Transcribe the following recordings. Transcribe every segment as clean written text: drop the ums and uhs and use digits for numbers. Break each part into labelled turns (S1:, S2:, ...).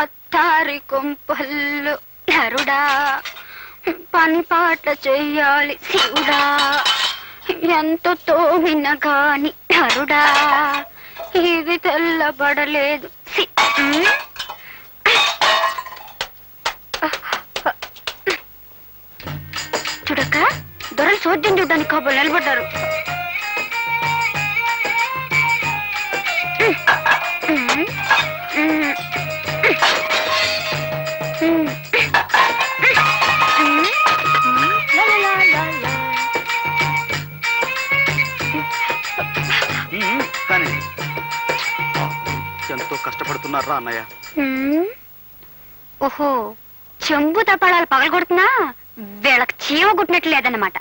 S1: అత్తారి కొంపల్లు నరుడా, పని పాట చెయ్యాలి శివుడా, ఎంత తోమిన గాని నరుడా, ఇది తెల్లబడలేదు. చూడక్క, దొరలు చోద్యం చూడ్డానికి కాబోలు నిలబడ్డారు.
S2: కానీ ఎంతో కష్టపడుతున్నారా అన్నయ్య?
S1: ఓహో, చెంబు తపాళాలు పగలగొడుతున్నా వీళ్ళకి చీమ గుట్టినట్లు లేదన్నమాట.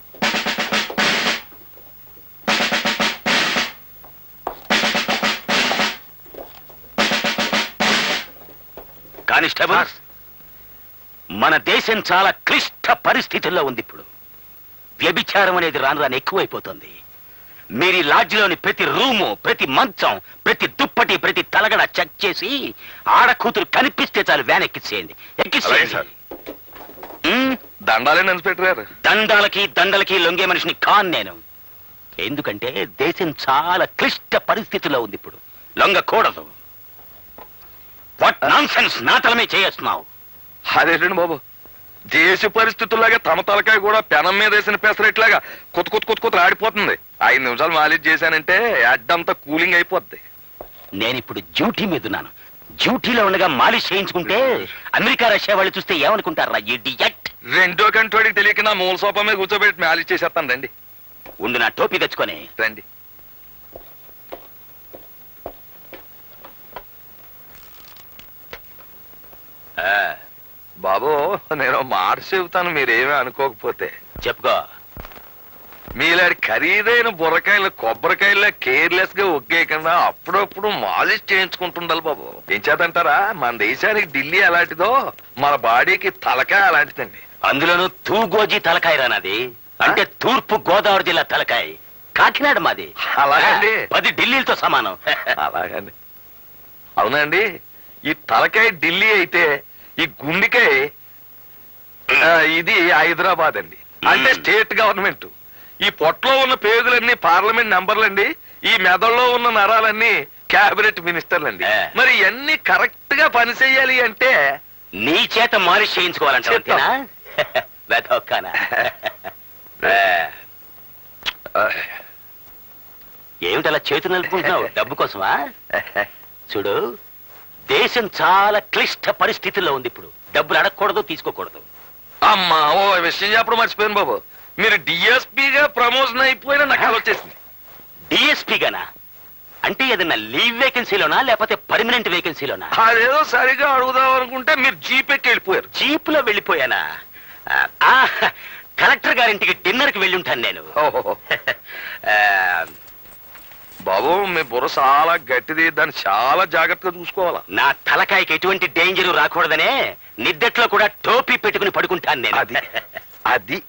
S3: కానిస్టేబుల్, మన దేశం చాలా క్లిష్ట పరిస్థితుల్లో ఉంది. ఇప్పుడు వ్యభిచారం అనేది రాను రాను ఎక్కువైపోతుంది. మీరు లాడ్జిలోని ప్రతి రూము, ప్రతి మంచం, ప్రతి దుప్పటి, ప్రతి తలగడ చెక్ చేసి ఆడకూతురు కనిపిస్తే చాలు వ్యాన్ ఎక్కించేయండి. ఎక్కించేయండి.
S4: దండాలే ఇన్స్పెక్టర్ గారు.
S3: దండాలకి దండలకి లొంగే మనిషిని కాన్ నేను. ఎందుకంటే దేశం చాలా క్లిష్ట పరిస్థితుల్లో ఉంది. ఇప్పుడు లొంగకూడదు. వాట్ నాన్సెన్స్, నా తలమే చేస్తున్నావు.
S4: అదేంటండి బాబు, దేశ పరిస్థితుల్లాగా తమ తలకాయ కూడా పెనం మీద వేసిన పెసరెట్లాగా కొత్త ఆడిపోతుంది. 5 నిమిషాలు మాలిష్ చేశానంటే అడ్డంతా కూలింగ్ అయిపోద్ది.
S3: నేనిప్పుడు డ్యూటీ మీద ఉన్నాను. డ్యూటీలో ఉండగా మాలిష్ చేయించుకుంటే అమెరికా రష్యా వాళ్ళు చూస్తే ఏమనుకుంటారా? ఇడియట్.
S4: 2వ కంటోడికి తెలియక నా మూల సోఫా మీద కూర్చోబెట్టి మాలిష్ చేసేస్తాను. రండి
S3: ఉండు, నా టోపీ తెచ్చుకొని
S4: రండి. బాబు, నేను మాట చెబుతాను, మీరేమీ అనుకోకపోతే.
S3: చెప్పుకో.
S4: మీలాంటి ఖరీదైన బుర్రకాయలు కొబ్బరికాయల కేర్లెస్ గా ఒగ్గేయకుండా అప్పుడప్పుడు మాలిష్ చేయించుకుంటుండాలి బాబు. ఏం చేద్దంటారా, మన దేశానికి ఢిల్లీ అలాంటిదో మన బాడీకి తలకాయ అలాంటిదండి.
S3: అందులోనూ తూగోజీ తలకాయ రానది. అంటే తూర్పు గోదావరి జిల్లా తలకాయ. కాకినాడ మాది.
S4: అలాగండి.
S3: 10 ఢిల్లీలతో సమానం.
S4: అలాగండి. అవునండి, ఈ తలకాయ ఢిల్లీ అయితే ఈ గుండెకాయ ఇది హైదరాబాద్ అండి. అంటే స్టేట్ గవర్నమెంట్. ఈ పొట్టలో ఉన్న పేగులన్నీ పార్లమెంట్ మెంబర్లండి. ఈ మెదడులో ఉన్న నరాలన్నీ క్యాబినెట్ మినిస్టర్లండి. మరి ఇవన్నీ కరెక్ట్ గా పని చెయ్యాలి అంటే
S3: నీ చేత మాలిష్ చేయించుకోవాలంటే ఏమిటలా చేతులు నలుపుకుంటున్నావు? డబ్బు కోసమా? చూడు, దేశం చాలా క్లిష్ట పరిస్థితుల్లో ఉంది. ఇప్పుడు డబ్బులు అడగకూడదు, తీసుకోకూడదు.
S4: అమ్మా, ఓ విషయం చెప్పడం మర్చిపోయాను బాబు. మీరు డిఎస్పీగా ప్రమోషన్ అయిపోయినా నాకు వచ్చేసింది.
S3: డిఎస్పీగానా? అంటే ఏదన్నా లీవ్ వేకెన్సీలోనా లేకపోతే పర్మనెంట్ వేకెన్సీలోనా?
S4: అదేదో సరిగా అడుగుదాం అనుకుంటే మీరు జీప్ ఎక్కి వెళ్ళిపోయారు.
S3: జీప్ లో వెళ్ళిపోయానా? కలెక్టర్ గారింటికి డిన్నర్ కి వెళ్ళి ఉంటాను నేను.
S4: బాబు, మీ బుర్ర చాలా గట్టిది, దాన్ని చాలా జాగ్రత్తగా చూసుకోవాలా.
S3: నా తలకాయకి ఎటువంటి డేంజర్ రాకూడదనే నిద్దట్లో కూడా టోపీ పెట్టుకుని పడుకుంటాను నేను.
S4: అది అది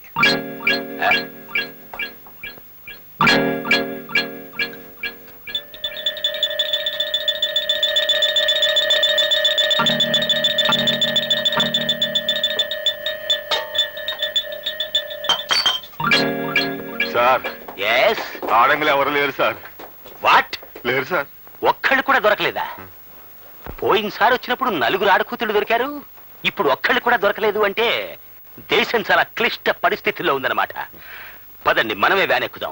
S2: సార్,
S3: ఎస్.
S2: ఆడంగులు ఎవరు లేరు సార్.
S3: వాట్?
S2: లేరు సార్.
S3: ఒక్కళ్ళు కూడా దొరకలేదా? పోయినసారి వచ్చినప్పుడు 4 ఆడకూతులు దొరికారు. ఇప్పుడు ఒక్కళ్ళు కూడా దొరకలేదు అంటే దేశం చాలా క్లిష్ట పరిస్థితుల్లో ఉందన్నమాట. పదండి, మనమే వ్యాన్ ఎక్కుదాం.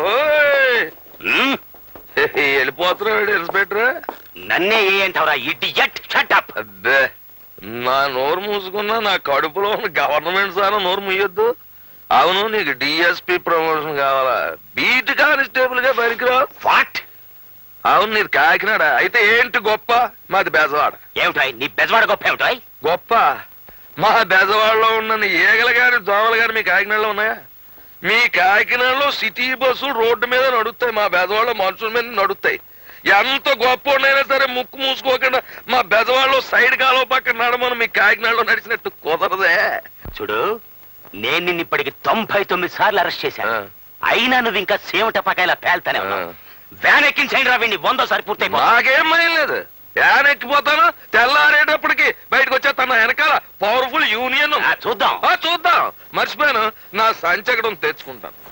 S4: వెళ్ళిపోతున్నాడు ఇన్స్పెక్టర్.
S3: నన్నే ఏ అంటావరా ఇడియట్? Shut up.
S4: అబ్బే, నా నోరు మూసుకున్నా నా కడుపులో ఉన్న గవర్నమెంట్ సార్ నోరు మూయొద్దు. అవును, నీకు డిఎస్పీ ప్రమోషన్ కావాలా? బీట్ కానిస్టేబుల్ గా పనికిరావు.
S3: వాట్?
S4: అవును, నీది కాకినాడ అయితే ఏంటి గొప్ప? మాది బెజవాడ.
S3: ఏమిటాయ్ నీ బెజవాడ గొప్ప? ఏమిటాయ్
S4: గొప్ప? మా బెజవాడలో ఉన్న ఏగలు గాని దోమలు గాని మీ కాకినాడలో ఉన్నాయా? మీ కాకినాడలో సిటీ బస్సులు రోడ్డు మీద నడుస్తాయి, మా బెజవాడలో మనుషుల మీద నడుస్తాయి. ఎంత గొప్ప ఉండైనా సరే ముక్కు మూసుకోకుండా మా బెజవాడలో సైడ్ కాలువ పక్కన నడమని మీ కాకినాడలో నడిచినట్టు కుదరదే.
S3: చూడు, నేను నిన్ను ఇప్పటికి 99 సార్లు అరెస్ట్ చేశాను. అయినా నువ్వు ఇంకా సేవట పకాయలా పేల్తానే ఉన్నావు. వ్యాన్ ఎక్కించండి రా, వీడిని 100 సారి పూర్తయిపో.
S4: నాకేం భయం లేదు. వ్యాన్ ఎక్కిపోతాను, తెల్లారేటప్పుడు
S3: చూద్దాం
S4: చూద్దాం. మర్చిపోయాను, నా సంచి ఎక్కడ ఉంది, తెచ్చుకుంటాను.